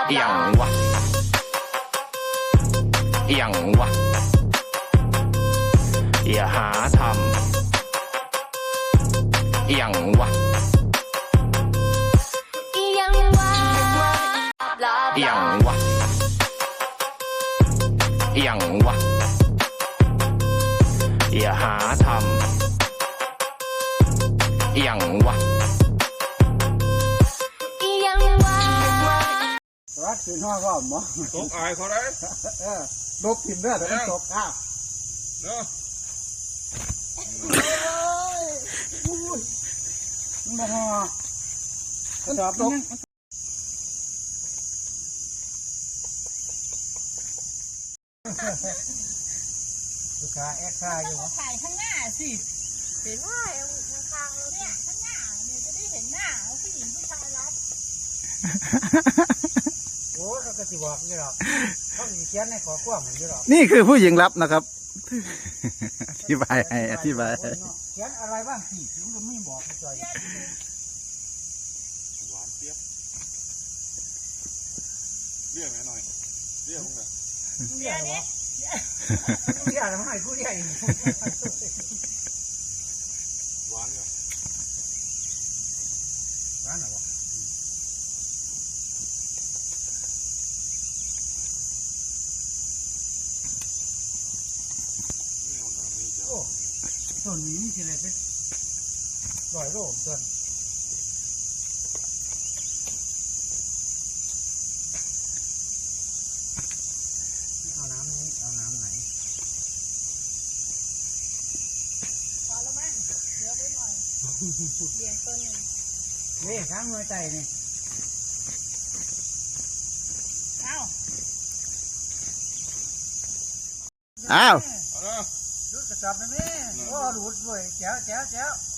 เอียงวะเอียงวะอย่าหาทำเอียงวะเอียงวะเอียงวะเอียงวะอย่าหาทำเอียงวะรัดคืนห้อก็หมอตกอายเขาได้ลบถิ่นเด้อแต่ต้องตกข้าวเนาะมาห่อก็ตอบลบลูกค้าแอคซ่าอยู่วะถ่ายข้างหน้าสิเห็นว่าข้างๆเราเนี่ยข้างหน้าเนี่ยจะได้เห็นหน้าผู้หญิงผู้ชายรับโอ้เขาก็สิบอกนี่หรอกเขาสิเขียนในขอความเหมือนนี่หรอกนี่คือผู้หญิงรับนะครับอธิบายให้อธิบายให้เขียนอะไรบ้างสิถึงจะไม่บอกจอยหวานเจี๊ยบเรียกหน่อยเรียกมึงหน่อยเรียกวะเรียกทำไมผู้เรียกอีกหวานเนี่ยหวานเหรอวะโอ้ส่วนนี้ทีไรเป็นร้อยโลส่วนเอาน้ำนี้เอาน้ำไหนพอแล้วมั้งเดี๋ยวไปหน่อยเลี้ยงต้นหนึ่งนี่ข้างหัวใจนี่อ้าวอ้าวดูดกระจับนะแม่โอ้ดูดด้วยแจ๋วแจ๋วแจ๋ว